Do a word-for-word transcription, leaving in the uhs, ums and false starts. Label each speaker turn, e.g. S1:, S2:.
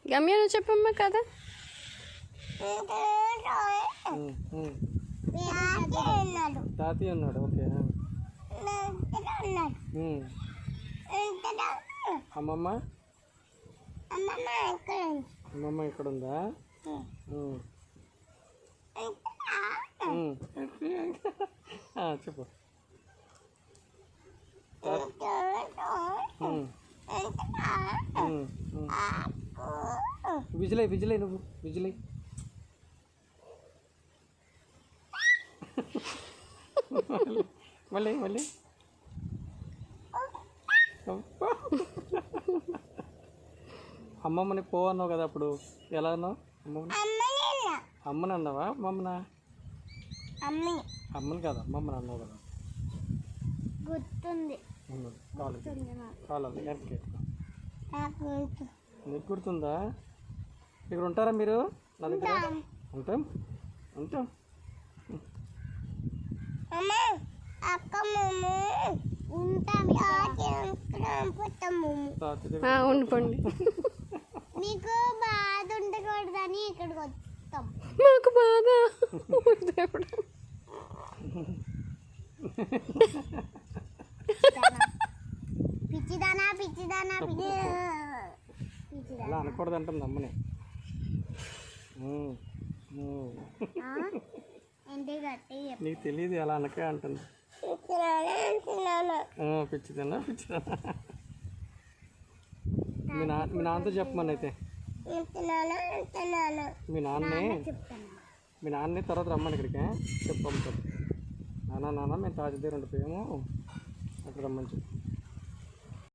S1: గమ్య నువ్వు చెప్పమ్మా కదా.
S2: తాతయ్య ఉన్నాడు. ఓకే. అమ్మమ్మ అమ్మమ్మ ఇక్కడ ఉందా? చెప్పు. విజిలై విజిలై నువ్వు విజిలై. మళ్ళీ మళ్ళీ అమ్మమ్మని పో అన్నావు కదా అప్పుడు. ఎలా అన్నావు? అమ్మమ్మని అమ్మని అన్నావా అమ్మమ్మనా? అమ్మని కదా అమ్మమ్మని అన్నావు కదా.
S1: గుర్తుంది.
S2: కాలేదు నీకు గుర్తుందా? ఇక్కడ ఉంటారా మీరు? నా దగ్గర ఉంటాం ఉంటాం.
S1: ఉండిపోండి.
S3: మీకు బాధ ఉండకూడదని ఇక్కడికి వస్తాం.
S1: మాకు బాధ
S3: పిచ్చిదానా పిచ్చిదానా పిచ్చి
S2: అలా అనకూడదు అంటుంది అమ్మని. నీకు తెలియదు అలా అనకే అంటుంది. పిచ్చిదన్నా పిచ్చిదన్నా. మీ నా మీ నాన్నతో చెప్పమని అయితే. మీ నాన్నే మీ నాన్నే తర్వాత రమ్మని ఇక్కడికి చెప్పమ్మ. చెప్పు నాన్న నాన్న మేము తాజా దగ్గర ఉండిపోయాము అక్కడ రమ్మని చెప్పు.